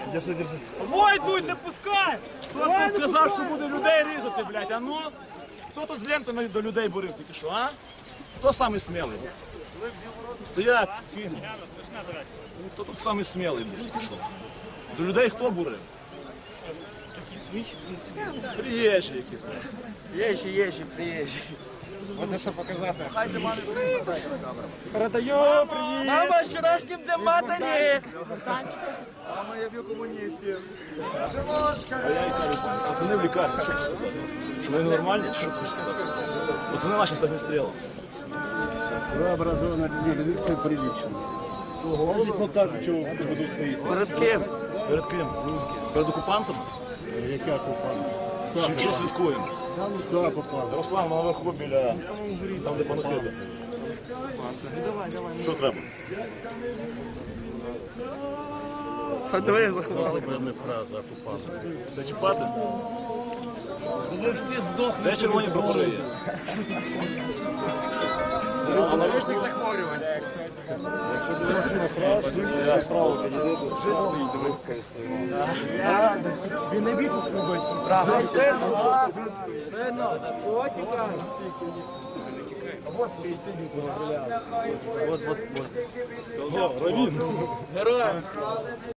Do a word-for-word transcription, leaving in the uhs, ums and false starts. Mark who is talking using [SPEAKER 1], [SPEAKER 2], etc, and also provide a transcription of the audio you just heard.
[SPEAKER 1] Держи, держи.
[SPEAKER 2] Ой, йдуть, не пускай!
[SPEAKER 1] Хто тут сказав, що буде людей різати, блядь, а ну? Хто тут з лентами до людей бурив тільки що, а? Хто самий смілий? Стоять, кину. Хто тут самий смілий, блядь, тільки що? До людей хто бурив? Приїжджі якісь, блядь.
[SPEAKER 2] Єжі, єжі, це єжі. Можна що показати.
[SPEAKER 1] Передаю, привіт!
[SPEAKER 2] Мама, з вчорашнім днем матері!
[SPEAKER 1] А я і кажу, пацани в лікарні, що ти сказати? Що вони нормальні, чи що ти сказати? Пацани наші з огнестрілом.
[SPEAKER 3] Вы образованные люди, все прилично. Не покажуть, чого будуть свої.
[SPEAKER 2] Перед ким?
[SPEAKER 1] Перед ким? Перед окупантами?
[SPEAKER 3] Яка окупант?
[SPEAKER 1] Чи що святкуємо?
[SPEAKER 3] Куди попали?
[SPEAKER 1] Руслан, на наверху біля, там де панахида. Що треба?
[SPEAKER 2] А давай я заховали.
[SPEAKER 3] Вибрана фраза окупант.
[SPEAKER 1] Зачіпати?
[SPEAKER 2] Ви всі здохли.
[SPEAKER 1] Де червоні прапори є?
[SPEAKER 2] А наручник захворювань. Він не більше скрубить. Правда. Вот вот вот.
[SPEAKER 1] Героям!